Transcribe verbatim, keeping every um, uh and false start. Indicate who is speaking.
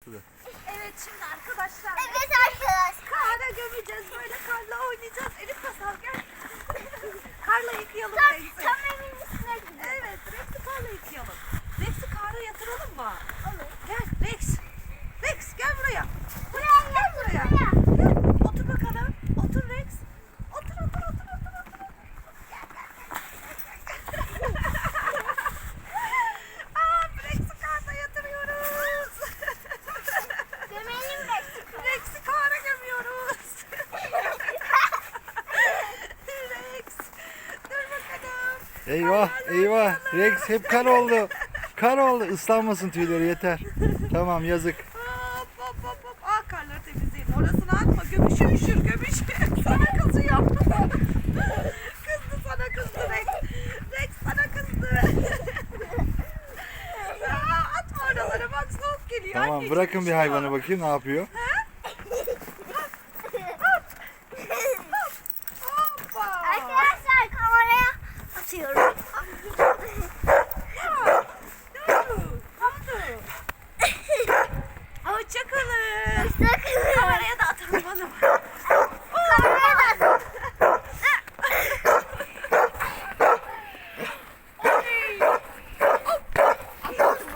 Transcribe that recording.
Speaker 1: suda.
Speaker 2: Evet şimdi arkadaşlar.
Speaker 3: Evet arkadaşlar.
Speaker 2: Kara gömeceğiz böyle karla oynayacağız. Elif Masal gel. Karla yıkayalım
Speaker 3: Tam,
Speaker 2: Rex'i.
Speaker 3: tam evin üstüne gidiyor.
Speaker 2: Evet Rex'i karla yıkayalım. Rex'i kara yatıralım mı?
Speaker 3: Olur.
Speaker 2: Gel Rex. Rex gel buraya.
Speaker 3: Buraya
Speaker 2: Gel buraya.
Speaker 3: buraya.
Speaker 2: Gel. Otur bakalım. Otur Rex. Otur otur otur otur otur. Gel gel gel. Aa Rex'i karla yatırıyoruz.
Speaker 3: Gömelim Rex'i.
Speaker 2: Rex'i kara gömüyoruz. Rex. Dur bakalım.
Speaker 1: Eyvah eyvah. Rex hep kar oldu. Kar oldu. Islanmasın tüyleri yeter. Tamam yazık.
Speaker 2: Hop hop hop hop. Aa karları temizleyelim. Orasını atma. Gömüşü üşür gömüş. Sana kızıyor. Kızdı sana kızdı Rex. Rex sana kızdı. Aa, atma oralara bak soğuk geliyor.
Speaker 1: Tamam
Speaker 2: Anneciğim,
Speaker 1: bırakın bir
Speaker 2: üşüyor.
Speaker 1: hayvanı bakayım ne yapıyor.
Speaker 2: Ha,